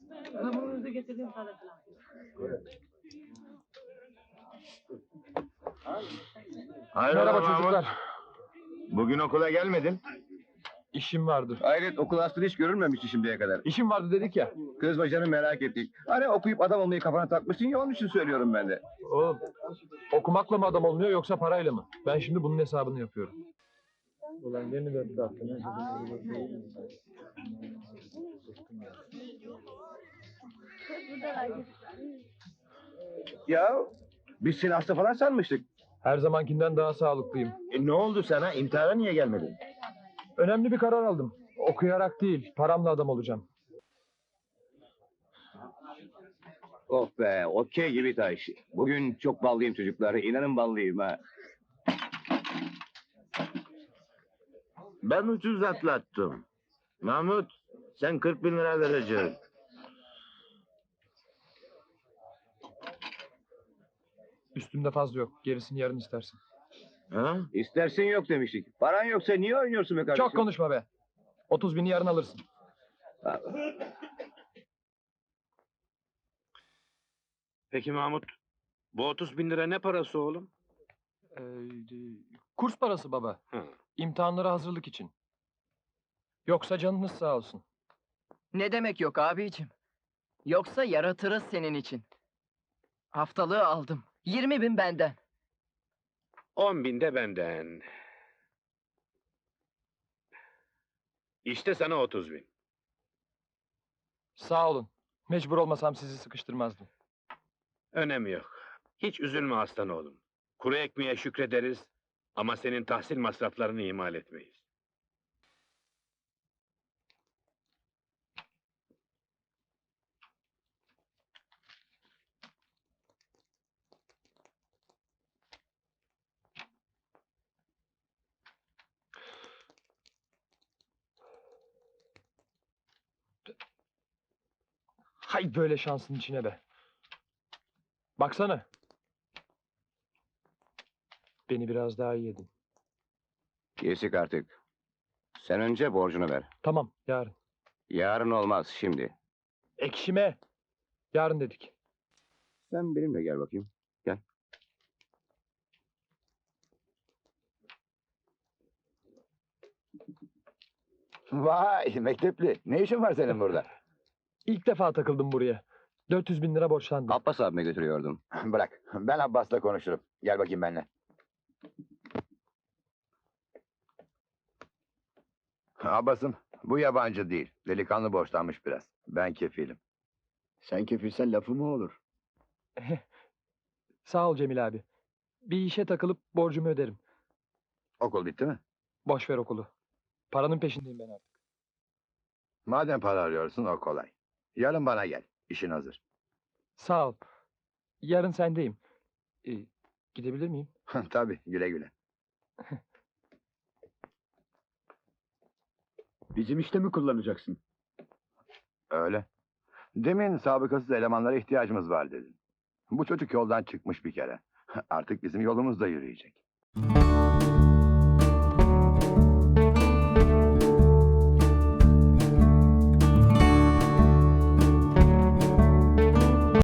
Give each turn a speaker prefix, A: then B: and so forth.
A: Bunu getirdim sana.
B: Merhaba çocuklar.
C: Bugün okula gelmedin.
B: İşim vardı.
C: Hayret, okul aslında hiç görülmemişti şimdiye kadar.
B: İşim vardı dedik ya.
C: Kız bacanı merak ettik. Hani okuyup adam olmayı kafana takmışsın ya, onun için söylüyorum ben de.
B: Oğlum, okumakla mı adam olmuyor yoksa parayla mı? Ben şimdi bunun hesabını yapıyorum. Ulan yeni dörtlü attın.
C: Ya biz seni hasta falan sanmıştık.
B: Her zamankinden daha sağlıklıyım.
C: Ne oldu sana? İmtihana niye gelmedin?
B: Önemli bir karar aldım. Okuyarak değil, paramla adam olacağım.
C: Oh be, okey gibi taş. Bugün çok ballıyım çocuklar. İnanın ballıyım ha.
D: Ben ucuz atlattım. Mahmut, sen 40.000 lira vereceksin.
B: Üstümde fazla yok. Gerisini yarın istersin.
D: Ha?
C: İstersin yok demiştik. Paran yoksa niye oynuyorsun be kardeşim?
B: Çok konuşma be. 30.000'i yarın alırsın.
D: Peki Mahmut, bu 30.000 lira ne parası oğlum?
B: Ee, Kurs parası baba.
D: Hı.
B: İmtihanlara hazırlık için. Yoksa canınız sağ olsun.
E: Ne demek yok abicim? Yoksa yaratırız senin için. Haftalığı aldım. 20.000 benden.
D: 10.000 de benden. İşte sana 30.000.
B: Sağ olun. Mecbur olmasam sizi sıkıştırmazdım.
D: Önemi yok. Hiç üzülme aslan oğlum. Kuru ekmeğe şükrederiz ama senin tahsil masraflarını ihmal etmeyiz.
B: Hay böyle şansın içine be. Baksana. Beni biraz daha iyi edin.
C: Kesik artık. Sen önce borcunu ver.
B: Tamam, yarın.
C: Yarın olmaz, şimdi.
B: Ekşime. Yarın dedik.
C: Sen benimle gel bakayım. Gel.
F: Vay mektepli. Ne işin var senin burada?
B: İlk defa takıldım buraya. 400.000 lira borçlandım.
C: Abbas abime götürüyordum.
F: Bırak. Ben Abbas'la konuşurum. Gel bakayım benimle. Abbas'ım bu yabancı değil. Delikanlı borçlanmış biraz. Ben kefilim. Sen kefilsen lafı mı olur?
B: Sağ ol Cemil abi. Bir işe takılıp borcumu öderim.
F: Okul bitti mi?
B: Boş ver okulu. Paranın peşindeyim ben artık.
F: Madem para arıyorsun o kolay. Yarın bana gel. İşin hazır.
B: Sağ ol. Yarın sendeyim. Gidebilir miyim?
F: Tabii güle güle.
G: Bizim işte mi kullanacaksın?
F: Öyle. Demin sabıkasız elemanlara ihtiyacımız var dedin. Bu çocuk yoldan çıkmış bir kere. Artık bizim yolumuzda yürüyecek.